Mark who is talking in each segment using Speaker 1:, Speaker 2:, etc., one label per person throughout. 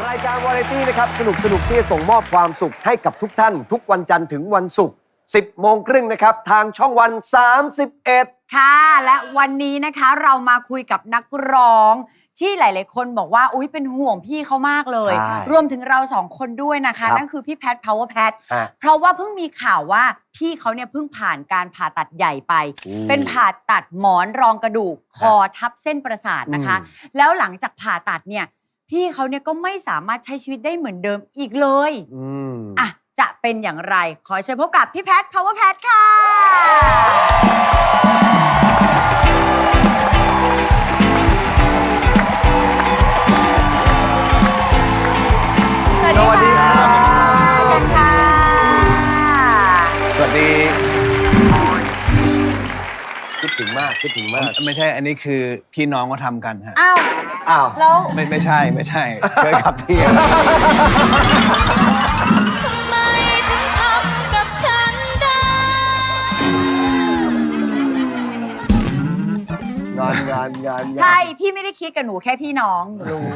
Speaker 1: รายการวาไรตี้นะครับสนุกที่จะส่งมอบความสุขให้กับทุกท่านทุกวันจันทร์ถึงวันศุกร์ 10 โมงครึ่งนะครับทางช่องวัน 31
Speaker 2: ค่ะและวันนี้นะคะเรามาคุยกับนักร้องที่หลายๆคนบอกว่าอุ๊ยเป็นห่วงพี่เขามากเลยรวมถึงเรา2 คนด้วยนะคะนั่นคือพี่แพท Power Pat เพราะว่าเพิ่งมีข่าวว่าพี่เขาเนี่ยเพิ่งผ่านการผ่าตัดใหญ่ไปเป็นผ่าตัดหมอนรองกระดูกคอทับเส้นประสาทนะคะแล้วหลังจากผ่าตัดเนี่ยพี่เขาเนี่ยก็ไม่สามารถใช้ชีวิตได้เหมือนเดิมอีกเลยอ่ะจะเป็นอย่างไรขอเชิญพบกับพี่แพท Power Pat ค่ะ
Speaker 1: สวัสดีครับ
Speaker 2: เชิญค่ะ
Speaker 3: สวัสดี
Speaker 1: คิดถึงมาก
Speaker 3: ไม่ใช่อันนี้คือพี่น้องก็ทำกันฮะ
Speaker 2: อ้าว แล้ว
Speaker 3: ไม่ใช่เชิญครับพี่
Speaker 4: ทำไมถึงทำกับฉันได้
Speaker 1: งาน
Speaker 2: ใช่พี่ไม่ได้คิดกับหนูแค่พี่น้องหนูรู้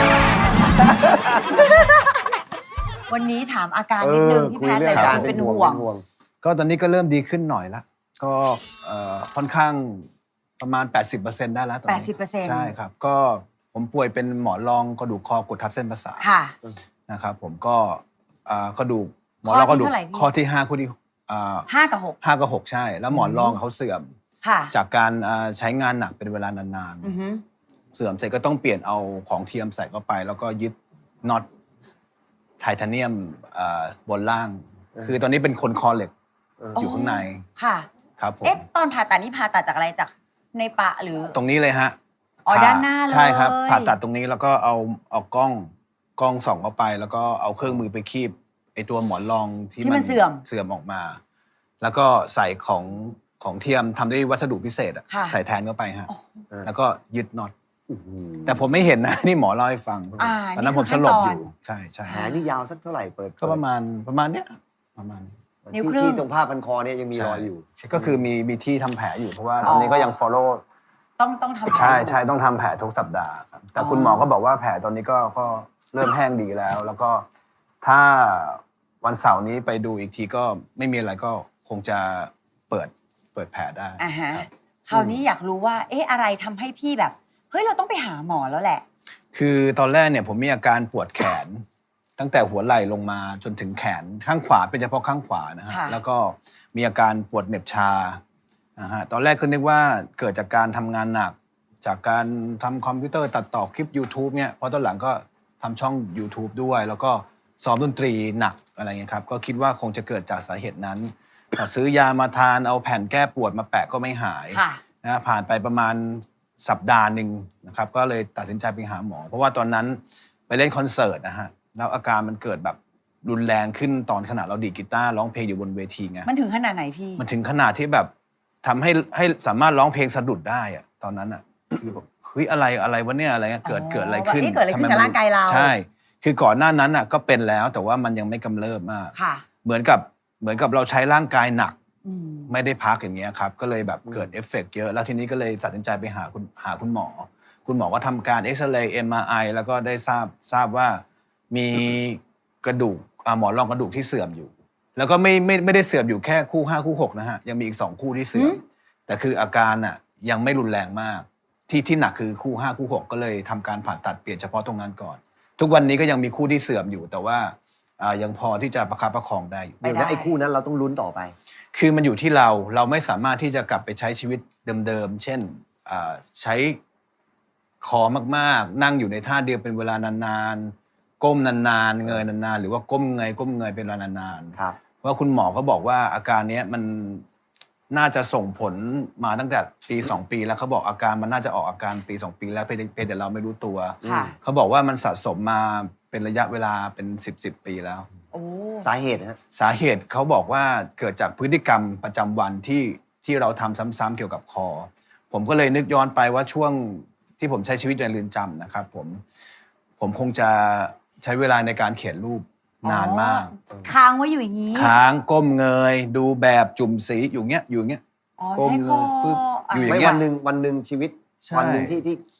Speaker 2: วันนี้ถามอาการนิดนึงพี่แพทย์หลายๆคนเป็นห่วง
Speaker 3: ก็ตอนนี้ก็เริ่มดีขึ้นหน่อยละก็ค่อนข้างประมาณ 80% ได้แล้วตอนนี้
Speaker 2: 80%
Speaker 3: ใช่ครับก็ผมป่วยเป็นหมอนรองกระดูกคอกดทับเส้นประสาท
Speaker 2: ค่ะ
Speaker 3: นะครับผมก็กระดูกหมอนรองกระดูกข้อที่5ข้อที่
Speaker 2: 5 กับ 6
Speaker 3: 5 กับ 6 ใช่ แล้วหมอนรองเขาเสื่อม
Speaker 2: ค่ะ
Speaker 3: จากการใช้งานหนักเป็นเวลานาน
Speaker 2: อือฮึ
Speaker 3: ๆเสื่อมเสร็จก็ต้องเปลี่ยนเอาของเทียมใส่เข้าไป แล้วก็ยึดน็อตไทเทเนียมบนล่าง คือตอนนี้เป็นคนคอเหล็กอยู่ข้างใน
Speaker 2: ค่ะ
Speaker 3: ครับผม
Speaker 2: เอ๊ะตอนผ่าตัดนี่ผ่าตัดจากอะไรจากในปะหรือ
Speaker 3: ตรงนี้เลยฮะ
Speaker 2: อ๋อด้านหน้าเลย
Speaker 3: ใช่ครับผ่าตัดตรงนี้แล้วก็เอากล้องส่องเข้าไป แล้วก็เอาเครื่องมือไปคีบไอตัวหมอนรองที่มันเสื่อมออกมา แล้วก็ใส่ของเทียมทำด้วยวัสดุพิเศษอะใส่แทนเข้าไปฮะแล้วก็ยึดน็อตแต่ผมไม่เห็นนะ นี่หมอเล่าให้ฟังตอนนั้นผมสลบอยู่ใช่
Speaker 1: แผลนี่ยาวสักเท่าไหร่เปิด
Speaker 3: ก็ประมาณเนี้ยประมาณนี้
Speaker 2: นิ้วครึ่ง
Speaker 1: ที่ตรงผ้าพันคอเนี่ยยังมีรอยอยู่
Speaker 3: ก็คือมีที่ทำแผลอยู่เพราะว่าตอนนี้ก็ยัง follow
Speaker 2: ต้องทำ
Speaker 3: ใช่ต้องทำแผลทุกสัปดาห์ครับแต่คุณหมอก็บอกว่าแผลตอนนี้ก็เริ่มแห้งดีแล้ว แล้วก็ถ้าวันเสาร์นี้ไปดูอีกทีก็ไม่มีอะไรก็คงจะเปิดแผลได้
Speaker 2: อ่าฮะ
Speaker 3: ครับ
Speaker 2: คราวนี้อยากรู้ว่าเอ๊ะอะไรทำให้พี่แบบเฮ้ยเราต้องไปหาหมอแล้วแหละ
Speaker 3: คือตอนแรกเนี่ยผมมีอาการปวดแขน ตั้งแต่หัวไหล่ลงมาจนถึงแขนข้างขวาเป็นเฉพาะข้างขวานะฮะ
Speaker 2: ค่ะ
Speaker 3: แล้วก็มีอาการปวดเหน็บชานะฮะตอนแรกก็นึกว่าเกิดจากการทำงานหนัก จากการทำคอมพิวเตอร์ตัดต่อคลิป YouTube เนี่ยเพราะตอนหลังก็ทำช่อง YouTube ด้วย แล้วก็ซ้อมดนตรีหนักอะไรเงี้ยครับก็คิดว่าคงจะเกิดจากสาเหตุนั้นพอซื้อยามาทานเอาแผ่นแก้ปวดมาแปะก็ไม่หาย
Speaker 2: ค่ะ
Speaker 3: นะผ่านไปประมาณสัปดาห์หนึ่งนะครับก็เลยตัดสินใจไปหาหมอ เพราะว่าตอนนั้นไปเล่นคอนเสิร์ตนะฮะแล้วอาการมันเกิดแบบรุนแรงขึ้นตอนขณะเราดีดกีตาร์ร้องเพลงอยู่บนเวทีไง
Speaker 2: มันถึงขนาดไหนพี่
Speaker 3: มันถึงขนาดที่แบบทำให้สามารถร้องเพลงสะดุดได้อะตอนนั้นอะคือแบบเฮ้ยอะไรวะเนี่ยอะไรเงี้ยเกิดอะไรขึ้น
Speaker 2: เกิดอะไรขึ้นกับร่างกายเรา
Speaker 3: ใช่คือก่อนหน้านั้นอะก็เป็นแล้วแต่ว่ามันยังไม่กำเริบมาก
Speaker 2: ค่ะ
Speaker 3: เหมือนกับเราใช้ร่างกายหนัก
Speaker 2: อืม
Speaker 3: ไม่ได้พักอย่างเงี้ยครับก็เลยแบบเกิดเอฟเฟกต์เยอะแล้วทีนี้ก็เลยตัดสินใจไปหาคุณหมอ คุณหมอก็ทำการเอ็กซเรย์ MRI แล้วก็ได้ทราบว่ามีกระดูกหมอนรองกระดูกที่เสื่อมอยู่ แล้วก็ไม่ได้เสื่อมอยู่แค่คู่5คู่6นะฮะยังมีอีก2คู่ที่เสื่อมแต่คืออาการอ่ะยังไม่รุนแรงมากที่หนักคือคู่5คู่6ก็เลยทำการผ่าตัดเปลี่ยนเฉพาะตรงนั้นก่อน ทุกวันนี้ก็ยังมีคู่ที่เสื่อมอยู่แต่ว่ายังพอที่จะประคับประคองได้อยู่
Speaker 1: เดี๋ยวนะไอ้คู่นั้นเราต้องลุ้นต่อไป
Speaker 3: คือมันอยู่ที่เราไม่สามารถที่จะกลับไปใช้ชีวิตเดิมๆ เช่นใช้คอมากๆ นั่งอยู่ในท่าเดียวเป็นเวลานานๆ ก้มนานๆ เงยนานๆ หรือว่าก้มเงยเป็นเวลานานๆ
Speaker 1: ครับ
Speaker 3: เพราะคุณหมอเขาบอกว่าอาการนี้มันน่าจะส่งผลมาตั้งแต่ปี2 ปีแล้วเขาบอกอาการมันน่าจะออกอาการปี2 ปีแล้วเพียงแต่เราไม่รู้ตัว
Speaker 2: ค่ะ
Speaker 3: เขาบอกว่ามันสะสมมาเป็นระยะเวลาเป็น10 ปีแล้ว
Speaker 2: โอ้
Speaker 1: สาเหตุนะ
Speaker 3: สาเหตุเขาบอกว่าเกิดจากพฤติกรรมประจำวันที่เราทำซ้ำๆเกี่ยวกับคอ ผมก็เลยนึกย้อนไปว่าช่วงที่ผมใช้ชีวิตในเรือนจำนะครับผมคงจะใช้เวลาในการเขียนรูปนานมาก
Speaker 2: ค้างไว้อยู่อย่างนี้
Speaker 3: ค้างก้มเงยดูแบบจุ่มสีอยู่เงี้ย
Speaker 2: อ๋อ
Speaker 3: ก้ม
Speaker 2: ใช้
Speaker 3: เง
Speaker 2: คอย
Speaker 3: ปึ๊บอยู่อย่าง
Speaker 1: ไม่
Speaker 3: เงี้ย
Speaker 1: วันหนึ่งชีวิต
Speaker 3: ใช่
Speaker 1: วันหนึ่งที่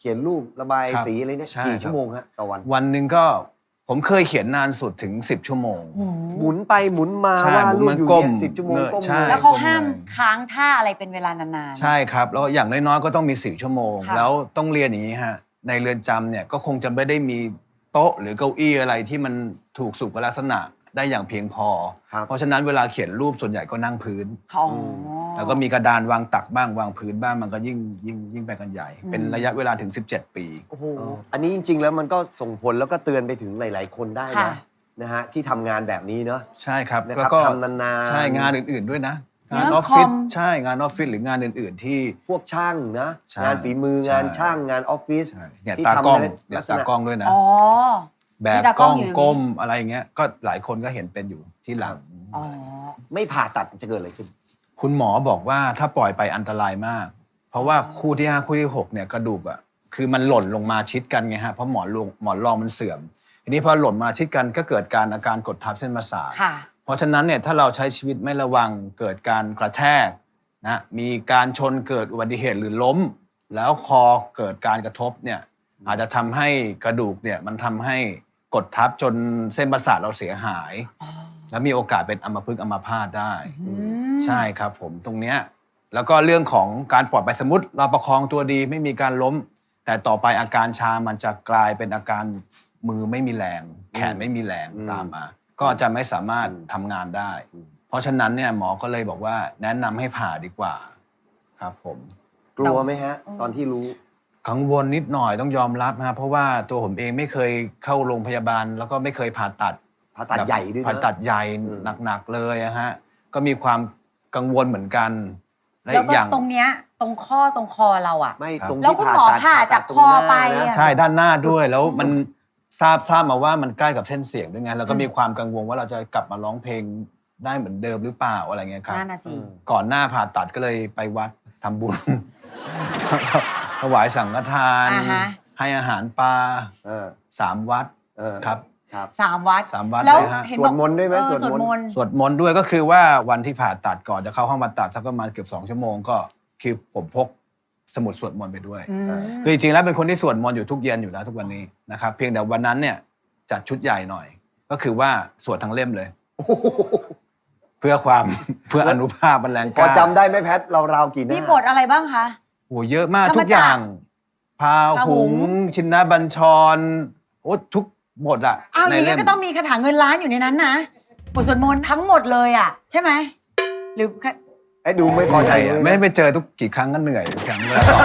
Speaker 1: เขียนรูประบาย
Speaker 3: ครับ
Speaker 1: สีอะไรเนี่ย
Speaker 3: ใช่
Speaker 1: กี่
Speaker 3: ครับ
Speaker 1: ชั่วโมงฮะต่อวัน
Speaker 3: วันหนึ่งก็ผมเคยเขียนนานสุดถึง 10 ชั่วโมง
Speaker 1: หมุนไปหมุนมา
Speaker 3: ใช่
Speaker 1: ว่าด
Speaker 3: หมุน
Speaker 1: รูป
Speaker 3: มัน
Speaker 1: อยู่
Speaker 3: ก้ม
Speaker 1: เนี่ย10 ชั่วโมง
Speaker 3: เงย
Speaker 1: ก้ม
Speaker 3: ใช่
Speaker 1: เลย
Speaker 2: แล้วเขา
Speaker 3: ก้ม
Speaker 2: ห้าม
Speaker 3: เลย
Speaker 2: ค้างท่าอะไรเป็นเวลานานๆ
Speaker 3: ใช่ครับ แล้วอย่างน้อยๆก็ต้องมี4 ชั่วโมง
Speaker 2: ค่ะ
Speaker 3: แล้วต้องเรียนอย่างนี้ฮะในเรือนจำเนี่ยก็คงจะไม่ได้มีโต๊ะหรือเก้าอี้อะไรที่มันถูกสุขลักษณะได้อย่างเพียงพอ
Speaker 1: ครับ
Speaker 3: เพราะฉะนั้นเวลาเขียนรูปส่วนใหญ่ก็นั่งพื้น
Speaker 2: อ๋อ
Speaker 3: แล้วก็มีกระดานวางตักบ้างวางพื้นบ้างมันก็ยิ่งไปกันใหญ่ เป็นระยะเวลาถึง 17 ปี
Speaker 2: โอ้โห
Speaker 1: อันนี้จริง ๆ แล้วมันก็ส่งผลแล้วก็เตือนไปถึงหลาย ๆ คนได้
Speaker 2: ค่ะ
Speaker 1: นะฮะที่ทำงานแบบนี้เนาะ
Speaker 3: ใช่ครับ
Speaker 1: นะครับ
Speaker 3: ก็
Speaker 1: ทำนานๆ
Speaker 3: ใช่งานอื่นๆด้วยนะ
Speaker 2: งาน
Speaker 3: งานออฟฟิศ
Speaker 2: คอม
Speaker 3: ใช่งานออฟฟิศหรืองานอื่นๆที่
Speaker 1: พวกช่างนะ
Speaker 3: ใช่
Speaker 1: งานฝีมือ
Speaker 3: ใช่
Speaker 1: งานช่างงานออฟฟิศ
Speaker 3: ใช่เนี่ย
Speaker 1: ที่
Speaker 3: ตากล้อง
Speaker 1: ทำใน
Speaker 3: เนี่ย
Speaker 1: ลักษณะ
Speaker 3: ตากล้องด้วยนะ
Speaker 2: อ๋อ
Speaker 3: แบ
Speaker 2: มี
Speaker 3: บ
Speaker 2: ตาก
Speaker 3: ก
Speaker 2: ล้
Speaker 3: ล้
Speaker 2: อ
Speaker 3: อง ง
Speaker 2: อยู่อย่างนี้
Speaker 3: ก้มอะไรอย่างเงี้ยก็หลายคนก็เห็นเป็นอยู่ที่หลัง
Speaker 2: อ๋อ
Speaker 1: ไม่ผ่าตัดจะเกิดอะไรขึ้น
Speaker 3: คุณหมอบอกว่าถ้าปล่อยไปอันตรายมาก เพราะว่าคู่ที่ 5 คู่ที่ 6เนี่ยกระดูกอ่ะคือมันหล่นลงมาชิดกันไงฮะเพราะหมอนรองมันเสื่อม ทีนี้พอหล่นมาชิดกันก็เกิดอาการกดทับเส้นประสาท
Speaker 2: ค่ะ
Speaker 3: เพราะฉะนั้นเนี่ยถ้าเราใช้ชีวิตไม่ระวังเกิดการกระแทกนะมีการชนเกิดอุบัติเหตุหรือล้ม แล้วคอเกิดการกระทบเนี่ยอาจจะทำให้กระดูกเนี่ยมันทำให้กดทับจนเส้นประสาทเราเสียหาย แล้วมีโอกาสเป็นอัมพฤกษ์อัมพาตได้ ใช่ครับผมตรงเนี้ยแล้วก็เรื่องของการปลอดภัยสมมติเราประคองตัวดีไม่มีการล้ม แต่ต่อไปอาการชามันจะกลายเป็นอาการมือไม่มีแรง แขนไม่มีแรง
Speaker 1: อืม
Speaker 3: ตามมา ก็จะไม่สามารถทำงานได้ เพราะฉะนั้นเนี่ยหมอก็เลยบอกว่าแนะนำให้ผ่าดีกว่าครับผม
Speaker 1: กลัวไหมฮะ ตอนที่รู้
Speaker 3: กังวลนิดหน่อยต้องยอมรับฮะเพราะว่าตัวผมเองไม่เคยเข้าโรงพยาบาล แล้วก็ไม่เคยผ่าตัด
Speaker 1: ผ่าตัดใหญ่ด้วยนะ
Speaker 3: ผ่าตัดใหญ่
Speaker 1: อืม
Speaker 3: หนักๆเลยอะฮะก็มีความกังวลเหมือนกันและ
Speaker 2: แล้ว
Speaker 3: อีก
Speaker 2: ก็
Speaker 3: อย่าง
Speaker 2: ตรงเนี้ยตรงข้อตรงคอเราอ่ะ
Speaker 1: ไม่
Speaker 3: ครับ
Speaker 1: ตรง
Speaker 2: แล้ว
Speaker 1: ที่
Speaker 2: คุณ
Speaker 1: ผ่า
Speaker 2: หมอ
Speaker 1: ตัด
Speaker 2: ผ่าจาก
Speaker 1: ตรง
Speaker 2: คอ
Speaker 1: หน้า
Speaker 2: ไป
Speaker 1: นะ
Speaker 2: อะ
Speaker 3: ใช่ด้านหน้าด้วยแล้วมันทราบมาว่ามันใกล้กับเส้นเสียงด้วยไงแล้วก็มีความกังวลว่าเราจะกลับมาร้องเพลงได้เหมือนเดิมหรือเปล่าอะไรเงี้ยครับ
Speaker 2: นั่นน่ะสิ
Speaker 3: ก่อนหน้าผ่าตัดก็เลยไปวัดทำบุญ ถวายสังฆทาน
Speaker 2: อ่าฮะ
Speaker 3: ให้อาหารปลา
Speaker 1: เออ
Speaker 3: 3 วัด
Speaker 1: เออ
Speaker 3: ครับ
Speaker 1: ครับ
Speaker 2: 3 วัด
Speaker 3: 3 วัด
Speaker 2: แล้ว
Speaker 3: เลยฮะ
Speaker 2: เห็น
Speaker 1: ส
Speaker 2: บ
Speaker 1: ว
Speaker 2: อ
Speaker 1: ด
Speaker 2: ก
Speaker 1: มนต์ด้วยไหม
Speaker 2: เออ
Speaker 1: สวดมนต์
Speaker 3: สวดมนต์ด้วยก็คือว่าวันที่ผ่าตัดก่อนจะเข้าห้องผ่าตัดสักประมาณเกือบ2 ชั่วโมงก็คือผมพกสมุดสวดมนต์ไปด้วย
Speaker 2: อืม
Speaker 3: คือจริงๆแล้วเป็นคนที่สวดมนต์อยู่ทุกเย็นอยู่แล้วทุกวันนี้นะครับเพียงแต่วันนั้นเนี่ยจัดชุดใหญ่หน่อย ก็คือว่าสวดทั้งเล่มเลย เพื่อความ เพื่ออนุภาพบรรแรงก
Speaker 1: พอ
Speaker 3: ล้า
Speaker 1: จำได้ไหมแพทราวๆกี่หน้า
Speaker 2: มีบทอะไรบ้างคะ
Speaker 3: โอ้เยอะมาก
Speaker 2: ธรรมจักร
Speaker 3: ทุกอย่างพา
Speaker 2: พาหุ
Speaker 3: หุ
Speaker 2: ง
Speaker 3: งชินบัญชรโอ้ทุกบทอะ
Speaker 2: อ้าวอ
Speaker 3: ใน
Speaker 2: ย่าง
Speaker 3: เล่
Speaker 2: นี้
Speaker 3: ม
Speaker 2: ก็ต้องมีคาถาเงินล้านอยู่ในนั้นนะบทสวดมนต์ทั้งหมดเลยอ่ะ ใช่ไหมหรือ
Speaker 1: ไอ้ดูไม่พอใจ
Speaker 3: เหนื่อย
Speaker 1: เลย
Speaker 3: อะ
Speaker 1: นะ
Speaker 3: ไม่ได้ไปเจอทุกกี่ครั้งก็เหนื่อยทุกครั้งเวลาสอบ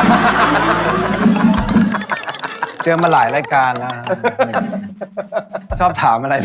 Speaker 3: เจอมาหลายรายการแล้วชอบถามอะไร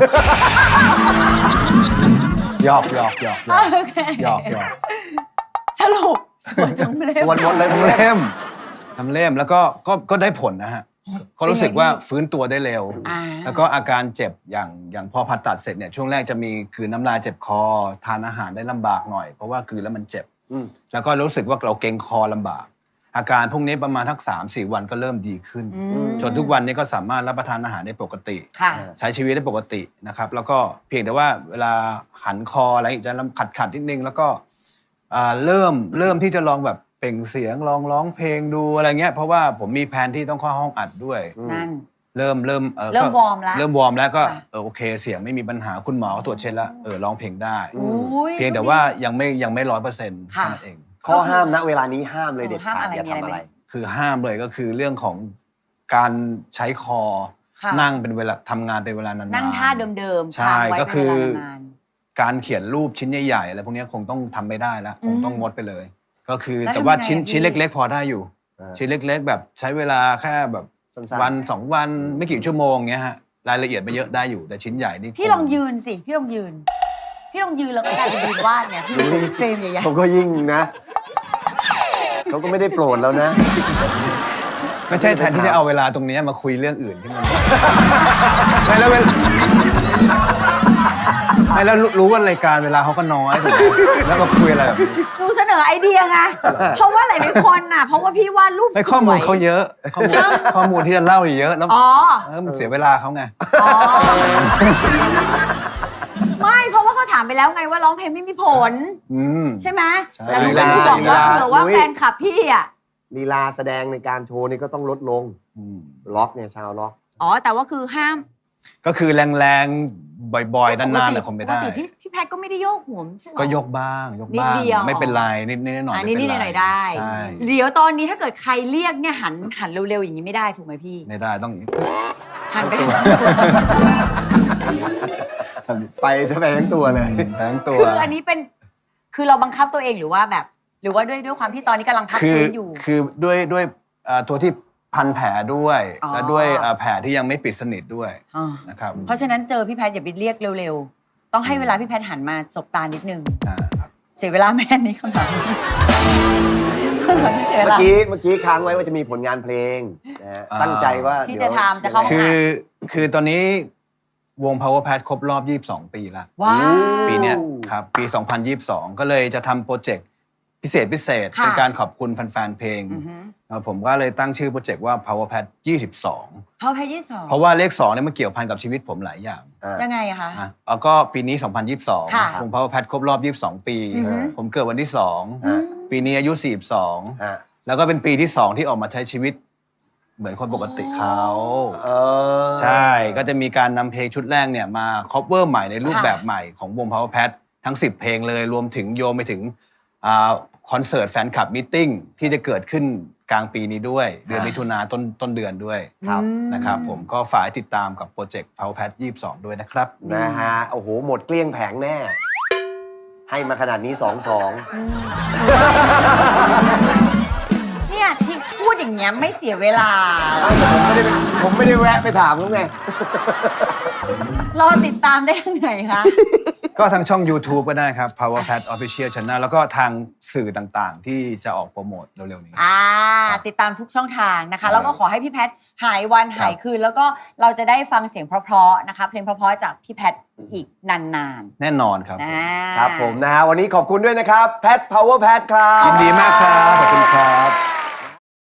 Speaker 3: หยอกหยอกหยอกหยอก
Speaker 2: โอเค
Speaker 3: หยอกหยอก
Speaker 2: สรุปสวดทั้งเล่
Speaker 1: สวด
Speaker 2: ม
Speaker 1: มนต์เลย
Speaker 3: ทำเล่มทำเล่มแล้วก็ได้ผลนะฮะก็รู้สึกว่า
Speaker 2: เป็นไงพี่
Speaker 3: ฟื้นตัวได้เร็ว
Speaker 2: อ่า
Speaker 3: แล้วก็อาการเจ็บอย่างพอผ่าตัดเสร็จเนี่ยช่วงแรกจะมีคืนน้ำลายเจ็บคอ ทานอาหารได้ลำบากหน่อย เพราะว่าคืนแล้วมันเจ็บ
Speaker 1: อืม
Speaker 3: แล้วก็รู้สึกว่าเราเกร็งคอลำบาก อาการพวกนี้ประมาณทัก3-4 วันก็เริ่มดีขึ้น จนทุกวันนี้ก็สามารถรับประทานอาหารได้ปกติ
Speaker 2: ค่ะ
Speaker 3: ใช้ชีวิตได้ปกตินะครับ แล้วก็เพียงแต่ว่าเวลาหันคออะไรจะขัดนิดนึงแล้วก็เริ่มที่จะลองแบบเปล่งเสียงลองร้องเพลงดูอะไรเงี้ยเพราะว่าผมมีแผนที่ต้องเข้าห้องอัดด้วย
Speaker 2: นั่น
Speaker 3: เริ่ม
Speaker 2: เริ่ม
Speaker 3: ก็
Speaker 2: วอร์มแล้ว
Speaker 3: เริ่มวอร์มแล้วก็
Speaker 2: ค่ะ
Speaker 3: โอเคเสียงไม่มีปัญหาคุณหมอก็ตรวจเช็คแล้วร้องเพลงได้
Speaker 2: โอ้ย
Speaker 3: เพียงแต่ว่ายังไม่100%เท่านั้นเอง
Speaker 1: ข้อห้ามณเวลานี้ห้ามเลยเด็ด
Speaker 2: ห้าม
Speaker 1: ขาด
Speaker 2: อะไร
Speaker 1: อย่า
Speaker 2: มีอะไร
Speaker 1: ทำอะไร
Speaker 2: ไหม
Speaker 3: คือห้ามเลยก็คือเรื่องของการใช้คอ
Speaker 2: ค่ะ
Speaker 3: นั่งเป็นเวลาทำงานเป็นเวลานานๆ
Speaker 2: นั่งท่าเดิมๆ
Speaker 3: ใช่
Speaker 2: ค้างไว้
Speaker 3: ก็
Speaker 2: เป็น
Speaker 3: คือ
Speaker 2: เวลานาน
Speaker 3: การเขียนรูปชิ้นใหญ่ๆอะไรพวกนี้คงต้องทำไม่ได้แล้วคงต้องงดไปเลย ก็คือ
Speaker 2: แล้ว
Speaker 3: แต่ว่า
Speaker 2: ทำยังไง
Speaker 3: ชิ้น
Speaker 2: อะพี่
Speaker 3: เล็ก ๆ พอได้อยู่
Speaker 1: อ่า
Speaker 3: ชิ้นเล็ก ๆ แบบใช้เวลาแค่แบบ
Speaker 1: สั้นๆ
Speaker 3: วัน2 วันไม่กี่ชั่วโมงเงี้ยฮะรายละเอียดไม่เยอะได้อยู่แต่ชิ้นใหญ่นี่
Speaker 2: ๆพี่ลองยืนสิ พี่ลองยืน พี่ลองยืนแล้วก็กลายเป็นยืนวาดไงพี่เฟรมใหญ่
Speaker 1: เขาก็ยิ่งนะเขาก็ไม่ได้โปรดแล้วนะ
Speaker 3: ไม่ใช่แทนที่จะเอาเวลาตรงนี้มาคุยเรื่องอื่นที่มัน ไม่แล้วไม่แล้วรู้ว่ารายการเวลาเขาก็น้อยถูกไหมแล้วมาคุยอะไรแบบนี้
Speaker 2: ๆหนูเสนอไอเดียไง เพราะว่าหลายๆคนน่ะ เพราะว่าพี่วาดรูป
Speaker 3: ไม่ข้อมูล
Speaker 2: สวย
Speaker 3: เขาเยอะข้อมูลที่จะเล่าเยอะแล้ว
Speaker 2: อ๋อ
Speaker 3: มันเสียเวลาเขาไง
Speaker 2: อ๋อ ไม่เพราะว่าเขาถามไปแล้วไงว่าร้องเพลงไม่มีผล
Speaker 3: อืม
Speaker 2: ใช่ไหม
Speaker 3: ใช่
Speaker 2: แต่หนูเป็นห่วงว่าเผื่อว่าแฟนคลับพี่อ่ะ
Speaker 1: ลีลาแสดงในการโชว์นี่ก็ต้องลดลง
Speaker 3: อืม
Speaker 1: ล็อกเนี่ยชาวล็อก
Speaker 2: อ๋อแต่ว่าคือห้าม
Speaker 3: ก็คือแรงๆ บ่อยๆ นานๆเนี่ยคงไม่ได้
Speaker 2: ปกติพี่แพทก็ไม่ได้โยกหัวใช่ไหม
Speaker 3: ก็ยกบ้างยก
Speaker 2: นิด
Speaker 3: บ้าง
Speaker 2: เดียว
Speaker 3: ไม่เป็นไรนิดๆหน่อยๆ
Speaker 2: อัน
Speaker 3: ไม่
Speaker 2: นี้
Speaker 3: เป็
Speaker 2: นิด
Speaker 3: น
Speaker 2: ห
Speaker 3: ไร
Speaker 2: น่อยๆได้
Speaker 3: ใช่
Speaker 2: เดี๋ยวตอนนี้ถ้าเกิดใครเรียกเนี่ยหันเร็วๆอย่างนี้ไม่ได้ถูกไหมพี่
Speaker 3: ไม่ได้ต้องอย่างนี้
Speaker 2: หันไป
Speaker 1: ไปทั้งตัวเลย
Speaker 3: ทั้งตัว
Speaker 2: คืออันนี้เป็นคือเราบังคับตัวเองหรือว่าแบบ หรือว่าด้วยความที่ตอนนี้กำลังพัก
Speaker 3: คือ
Speaker 2: ฟื้นอยู่
Speaker 3: คือด้วยตัวที่พันแผลด้วย
Speaker 2: อ๋อ
Speaker 3: และด้วยแผลที่ยังไม่ปิดสนิทด้วย
Speaker 2: อ่า
Speaker 3: นะครับ
Speaker 2: เพราะฉะนั้นเจอพี่แพทอย่าไปเรียกเร็วๆ ต้องให้เวลาพี่แพทหันมาสบตานิดนึง
Speaker 3: ครับ
Speaker 2: เสียเวลาแม่นี้คำถามคำถามที่เสียเว
Speaker 1: เมื่อ
Speaker 2: ลา
Speaker 1: กี้ค้างไว้ว่าจะมีผลงานเพลงนะฮะตั้งใจว่า
Speaker 2: ที่
Speaker 1: ดี๋ยว
Speaker 2: จะทำจะเข้า
Speaker 3: คือตอนนี้วง Power Pad ครบรอบ 22 ปีแล้ว
Speaker 2: ว้าว
Speaker 3: ปีเนี้ยครับ ปี 2022 ก็เลยจะทำโปรเจกต์พิเศษ
Speaker 2: ค่ะ
Speaker 3: เป็นการขอบคุณแฟนๆเพลง
Speaker 2: อือฮึ
Speaker 3: ผมก็เลยตั้งชื่อโปรเจกต์ว่า Power Pad 22
Speaker 2: พ่อแพท22
Speaker 3: เพราะว่าเลข2เนี่ยมันเกี่ยวพันกับชีวิตผมหลายอย่าง
Speaker 2: ยังไงอะคะ
Speaker 3: แล้วก็ปีนี้
Speaker 2: ค่ะ
Speaker 3: 2022 วง Power Pad ครบรอบ 22 ปี
Speaker 2: อือฮึ
Speaker 3: ผมเกิดวันที่
Speaker 1: ฮะ
Speaker 3: 2 ปีนี้อายุ 42
Speaker 1: ฮะ
Speaker 3: แล้วก็เป็นปีที่ 2 ที่ออกมาใช้ชีวิตเหมือนคนปกติเขา
Speaker 1: เออ
Speaker 3: ใช่ ก็จะมีการนำเพลงชุดแรกเนี่ยมาคอปเวอร์ใหม่ในรูปแบบใหม่ของวง Power Pad ทั้ง 10 เพลงเลย รวมถึงโยงไปถึงคอนเสิร์ตแฟนคลับมีตติ้งที่จะเกิดขึ้นกลางปีนี้ด้วย เดือนมิถุนาต้นเดือนด้วย
Speaker 1: ครับ
Speaker 3: นะครับผมก็ฝากติดตามกับโปรเจกต์ Power Pad 22 ด้วยนะครับ
Speaker 1: นะฮะ โอ้โห หมดเกลี้ยงแผงแน่ ให้มาขนาดนี้ 2-2
Speaker 2: เนี่ยที่พูดอย่างเงี้ยไม่เสียเวลา
Speaker 1: ผมไม่ได้แวะไปถามเขาไง
Speaker 2: รอติดตามได้ยังไงคะ
Speaker 3: ก็ทางช่อง YouTube ก็ได้ครับ Power Pad Official Channel แล้วก็ทางสื่อต่างๆ ที่จะออกโปรโมทเร็วๆนี้
Speaker 2: ติดตามทุกช่องทางนะคะ
Speaker 3: ใช่
Speaker 2: แล้วก็ขอให้พี่แพทหายวันหายคืน แล้วก็เราจะได้ฟังเสียงเพราะๆนะคะ เพลงเพราะๆจากพี่แพทอีกนาน
Speaker 3: แน่นอนครับ
Speaker 2: ๆนะ
Speaker 1: ครับผมนะฮะ วันนี้ขอบคุณด้วยนะครับ แพท Power Pad ครับ
Speaker 3: ยินดีมากครับ ขอบคุณครับ